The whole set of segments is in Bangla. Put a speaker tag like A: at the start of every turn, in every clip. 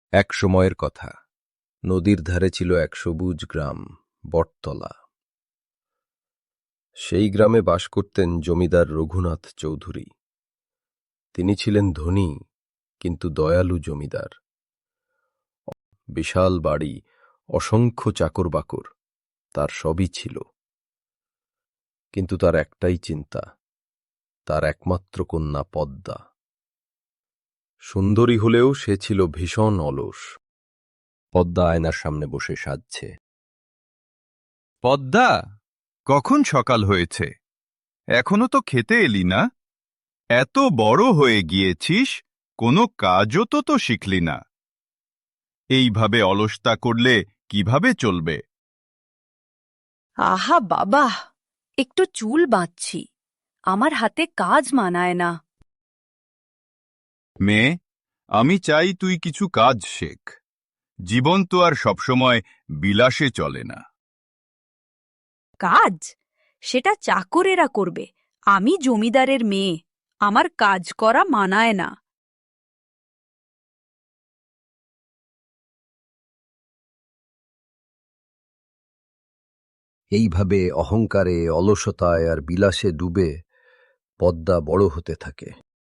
A: এক সময়ের কথা। নদীর ধারে ছিল এক সবুজ গ্রাম, বটতলা। সেই গ্রামে বাস করতেন জমিদার রঘুনাথ চৌধুরী। তিনি ছিলেন ধনী কিন্তু দয়ালু জমিদার। বিশাল বাড়ি, অসংখ্য চাকর বাকর, তার সবই ছিল। কিন্তু তার একটাই চিন্তা, তার একমাত্র কন্যা পদ্মা। সুন্দরী হলেও সে ছিল ভীষণ অলস। পদ্মা আয়নার সামনে বসে সাজছে।
B: পদ্মা, কখন সকাল হয়েছে? এখনো তো খেতে এলি না। এত বড় হয়ে গিয়েছিস, কোনো কাজও তো শিখলি না। এইভাবে অলসতা করলে কিভাবে চলবে?
C: আহা বাবা, একটু চুল বাঁধছি, আমার হাতে কাজ মানায় না।
B: মেয়ে, আমি চাই তুই কিছু কাজ শেখ। জীবন তো আর সবসময় বিলাসে চলে না।
C: কাজ? সেটা চাকরেরা করবে, আমি জমিদারের মেয়ে, আমার কাজ করা মানায় না।
A: এইভাবে অহংকারে, অলসতায় আর বিলাসে ডুবে পদ্মা বড় হতে থাকে।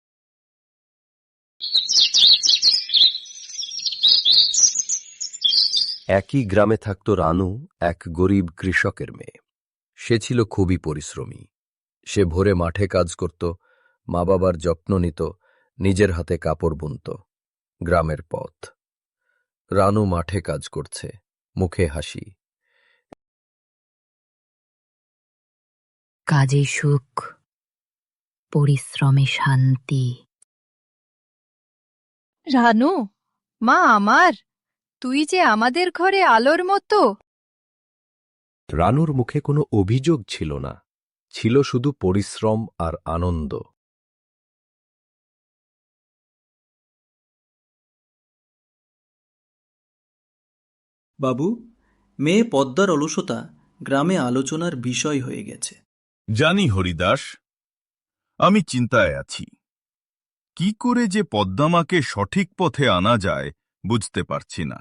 A: একই গ্রামে থাকত রানু, এক গরিব কৃষকের মেয়ে। সে ছিল খুবই পরিশ্রমী। সে ভোরে মাঠে কাজ করত, মা বাবার যত্ন নিত, নিজের হাতে কাপড় বুনত। গ্রামের পথ। রানু মাঠে কাজ করছে, মুখে হাসি।
D: কাজে সুখ, পরিশ্রমে শান্তি।
E: রানু, মা আমার, তুই যে আমাদের ঘরে আলোর মতো।
A: রানুর মুখে কোনো অভিযোগ ছিল না, ছিল শুধু পরিশ্রম আর আনন্দ।
F: বাবু, মেয়ে পদ্মার অলসতা গ্রামে আলোচনার বিষয় হয়ে গেছে।
B: জানি হরিদাস, আমি চিন্তায় আছি। কি করে যে পদ্মামাকে সঠিক পথে আনা যায় বুঝতে পারছি না।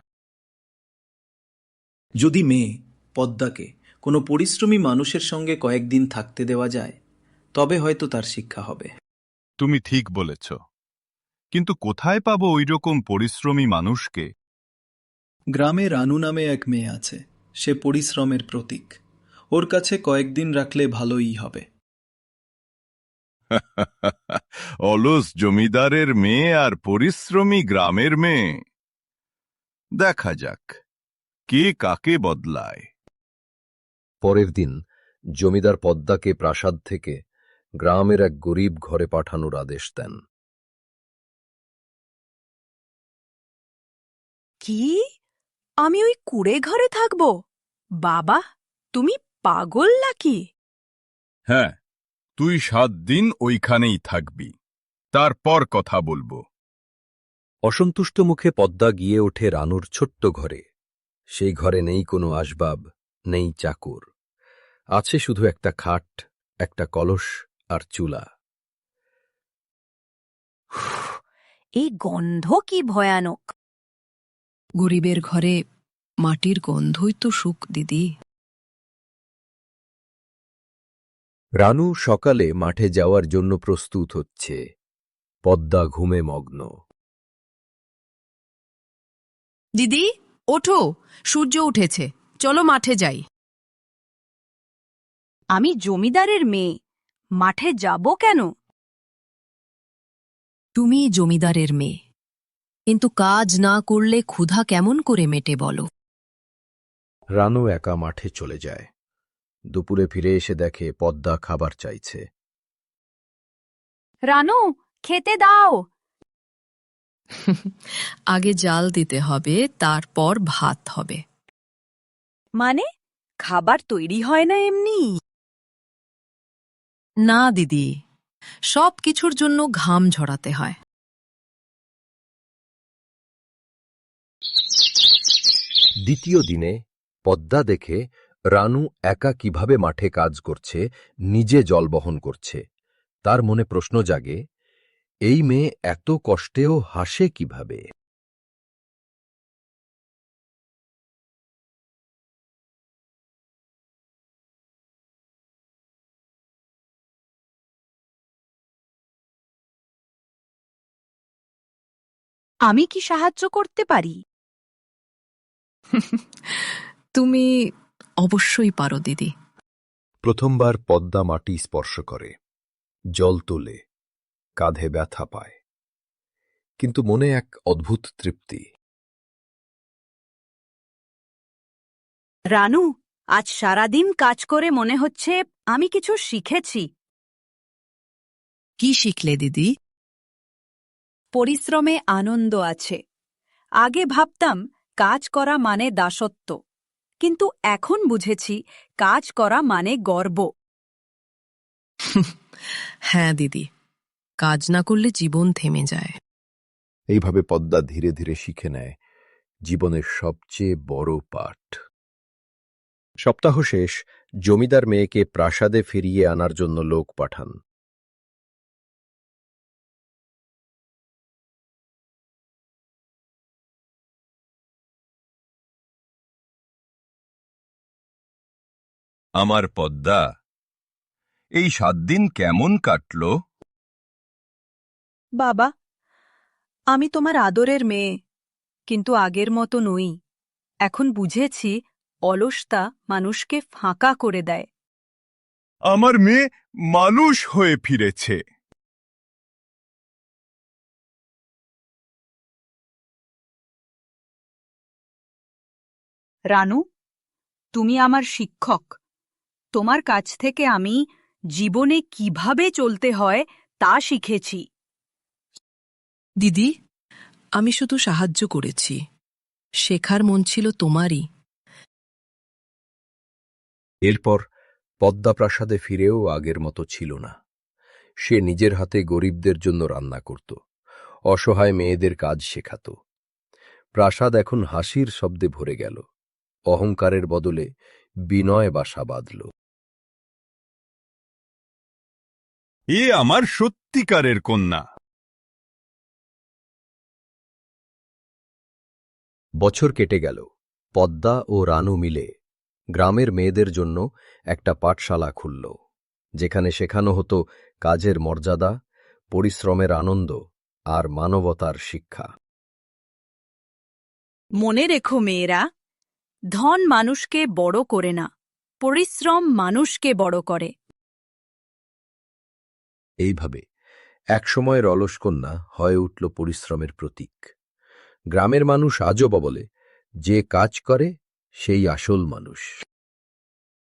F: যদি মেয়ে পদ্মাকে কোনো পরিশ্রমী মানুষের সঙ্গে কয়েকদিন থাকতে দেওয়া যায়, তবে হয়তো তার শিক্ষা হবে।
B: তুমি ঠিক বলেছ, কিন্তু কোথায় পাবো ওইরকম পরিশ্রমী মানুষকে?
F: গ্রামে রানু নামে এক মেয়ে আছে, সে পরিশ্রমের প্রতীক। ওর কাছে কয়েকদিন রাখলে ভালোই হবে।
B: অলস জমিদারের মেয়ে আর পরিশ্রমী গ্রামের মেয়ে, দেখা যাক কে কাকে বদলায়।
A: পরের দিন জমিদার পদ্মাকে প্রাসাদ থেকে গ্রামের এক গরিব ঘরে পাঠানোর আদেশ দেন।
C: কি? আমি ওই কুঁড়ে ঘরে থাকব? বাবা, তুমি পাগল নাকি?
B: হ্যাঁ, তুই 7 দিন ওইখানেই থাকবি, তারপর কথা বলবো।
A: অসন্তুষ্ট মুখে পদ্মা গিয়ে ওঠে রানুর ছোট্ট ঘরে। সেই ঘরে নেই কোনো আসবাব, নেই চাকর। আছে শুধু একটা খাট, একটা কলস আর চুলা।
C: এই গন্ধ কি ভয়ানক!
E: গরিবের ঘরে মাটির গন্ধই তো সুখ, দিদি।
A: রানু সকালে মাঠে যাওয়ার জন্য প্রস্তুত হচ্ছে। পদ্মা ঘুমে মগ্ন।
E: দিদি, ওঠো, সূর্য উঠেছে, চলো মাঠে যাই।
C: আমি জমিদারের মেয়ে, মাঠে যাব কেন?
E: তুমি জমিদারের মেয়ে, কিন্তু কাজ না করলে ক্ষুধা কেমন করে মেটে বলো?
A: রানু একা মাঠে চলে যায়। দুপুরে ফিরে এসে দেখে পদ্মা খাবার চাইছে।
C: রানু, খেতে দাও।
E: আগে জাল দিতে হবে, তারপর ভাত হবে।
C: মানে, খাবার তৈরি হয় না এমনি?
E: না দিদি, সব কিছুর জন্য ঘাম ঝরাতে হয়।
A: দ্বিতীয় দিনে পদ্মা দেখে রানু একা কিভাবে মাঠে কাজ করছে, নিজে জল বহন করছে। তার মনে প্রশ্ন জাগে, এই মেয়ে এত কষ্টেও হাসে কিভাবে?
C: আমি কি সাহায্য করতে পারি?
E: তুমি অবশ্যই পারো দিদি।
A: প্রথমবার পদ্মা মাটি স্পর্শ করে, জল তোলে, কাঁধে ব্যথা পায়, কিন্তু মনে এক অদ্ভুত তৃপ্তি।
C: রানু, আজ সারাদিন কাজ করে মনে হচ্ছে আমি কিছু শিখেছি।
E: কি শিখলে দিদি?
C: পরিশ্রমে আনন্দ আছে। আগে ভাবতাম কাজ করা মানে দাসত্ব, কিন্তু এখন বুঝেছি কাজ করা মানে গর্ব।
E: হ্যাঁ দিদি, কাজ না করলে জীবন থেমে যায়।
A: এইভাবে পদ্মা ধীরে ধীরে শিখে নেয় জীবনের সবচেয়ে বড় পাঠ। সপ্তাহ শেষ, জমিদার মেয়েকে প্রাসাদে ফিরিয়ে আনার জন্য লোক পাঠান।
B: আমার পদ্মা, এই 7 দিন কেমন কাটল?
C: বাবা, আমি তোমার আদরের মেয়ে, কিন্তু আগের মতো নই। এখন বুঝেছি অলসতা মানুষকে ফাঁকা করে দেয়।
B: আমার মেয়ে মানুষ হয়ে ফিরেছে।
C: রানু, তুমি আমার শিক্ষক। তোমার কাছ থেকে আমি জীবনে কিভাবে চলতে হয় তা শিখেছি।
E: দিদি, আমি শুধু সাহায্য করেছি, শেখার মন ছিল তোমারই।
A: এরপর পদ্মা প্রাসাদে ফিরেও আগের মতো ছিল না। সে নিজের হাতে গরিবদের জন্য রান্না করত, অসহায় মেয়েদের কাজ শেখাত। প্রাসাদ এখন হাসির শব্দে ভরে গেল, অহংকারের বদলে বিনয় বাসা বাঁধল।
B: এ আমার সত্যিকারের কন্যা।
A: বছর কেটে গেল। পদ্মা ও রানু মিলে গ্রামের মেয়েদের জন্য একটা পাঠশালা খুলল, যেখানে শেখানো হতো কাজের মর্যাদা, পরিশ্রমের আনন্দ আর মানবতার শিক্ষা।
C: মনে রেখো মেয়েরা, ধন মানুষকে বড় করে না, পরিশ্রম মানুষকে বড় করে।
A: এইভাবে একসময়ের অলস কন্যা হয়ে উঠল পরিশ্রমের প্রতীক। গ্রামের মানুষ আজও বলে, যে কাজ করে সেই আসল মানুষ।